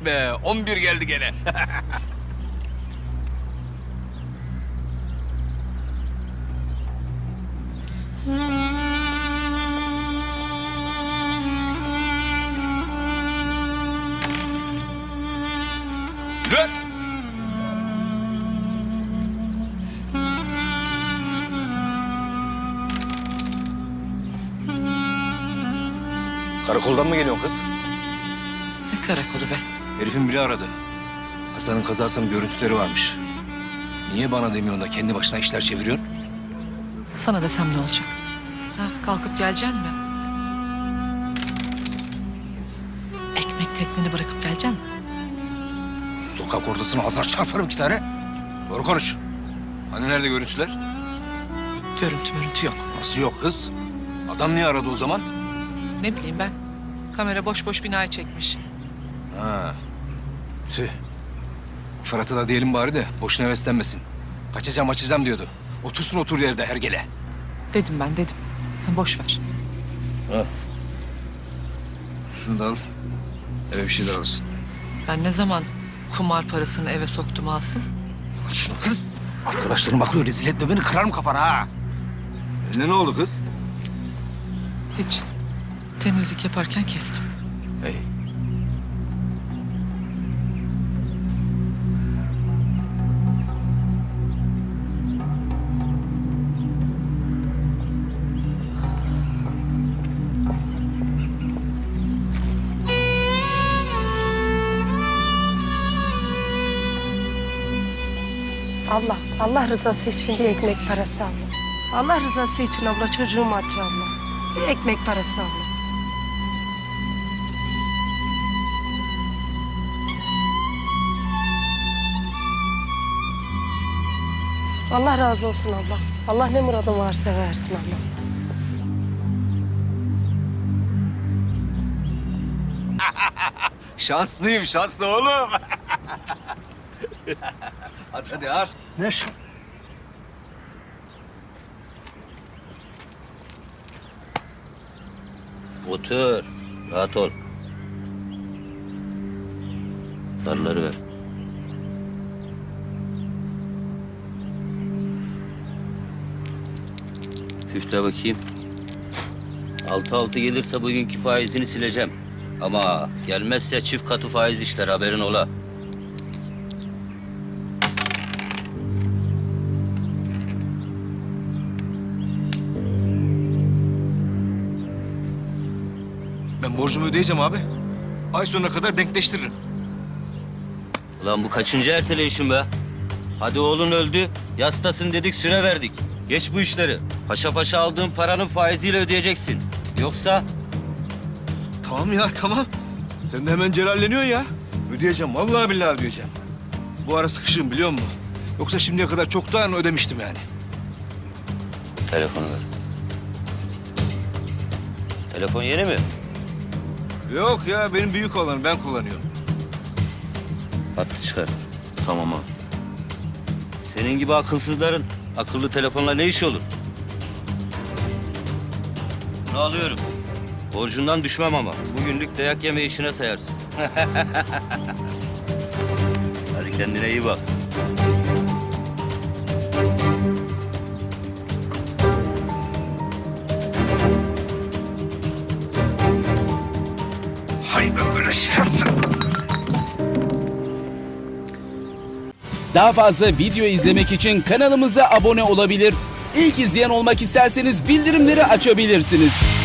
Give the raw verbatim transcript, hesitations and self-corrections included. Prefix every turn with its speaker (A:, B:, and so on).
A: be, on bir geldi gene. Dur! Karakoldan mı geliyorsun kız?
B: Ne karakolu be?
A: Herifin biri aradı. Hasan'ın kazasının görüntüleri varmış. Niye bana demiyorsun da kendi başına işler çeviriyorsun?
B: Sana desem ne olacak? Ha, kalkıp geleceksin mi? Ekmek tekneni bırakıp geleceksin mi?
A: Sokak ortasına ağzına çarparım iki tane. Doğru konuş. Hani nerede görüntüler?
B: Görüntü mürüntü yok.
A: Nasıl yok kız? Adam niye aradı o zaman?
B: Ne bileyim ben. Kamera boş boş binayı çekmiş.
A: Ha. Tüh. Fırat'a da diyelim bari de boşuna heveslenmesin. Kaçacağım açacağım diyordu. Otursun otur yerde hergele.
B: Dedim ben dedim. Sen boş ver.
A: Ha. Şunu da al. Eve bir şeyler alırsın.
B: Ben ne zaman kumar parasını eve soktum Asım?
A: Al şunu kız. Arkadaşlarım bakıyor, rezil etme beni, kırarım kafana ha. Eline ne oldu kız?
B: Hiç. Temizlik yaparken kestim.
A: Hey.
C: Abla, Allah rızası için bir ekmek parası abla. Allah rızası için abla, çocuğum aç abla. Bir ekmek parası abla. Allah razı olsun abla. Allah ne muradın varsa versin abla.
A: Şanslıyım, şanslı oğlum. At hadi at.
D: Ne şu?
E: Otur. Rahat ol. Zarları ver. Üfle bakayım. Altı altı gelirse bugünkü faizini sileceğim. Ama gelmezse çift katı faiz işler, haberin ola.
A: Ben borcumu ödeyeceğim abi. Ay sonuna kadar denkleştiririm.
E: Ulan bu kaçıncı erteleyişin be? Hadi oğlun öldü, yastasın dedik, süre verdik. Geç bu işleri. Paşa paşa aldığın paranın faiziyle ödeyeceksin. Yoksa
A: Tamam ya, tamam. Sen de hemen celalleniyorsun ya. Ödeyeceğim, vallahi billahi ödeyeceğim. Bu ara sıkışığım biliyor musun? Yoksa şimdiye kadar çoktan ödemiştim yani.
E: telefonu ver. Telefon yeni mi?
A: Yok ya, benim büyük olan ben kullanıyorum.
E: Hattı çıkar. Tamam abi. Senin gibi akılsızların akıllı telefonla ne iş olur? Bunu alıyorum. Borcundan düşmem ama. Bugünlük dayak yeme işine sayarsın. Hadi kendine iyi bak.
A: Hay ben böyle şansım.
F: Daha fazla video izlemek için kanalımıza abone olabilir. İlk izleyen olmak isterseniz bildirimleri açabilirsiniz.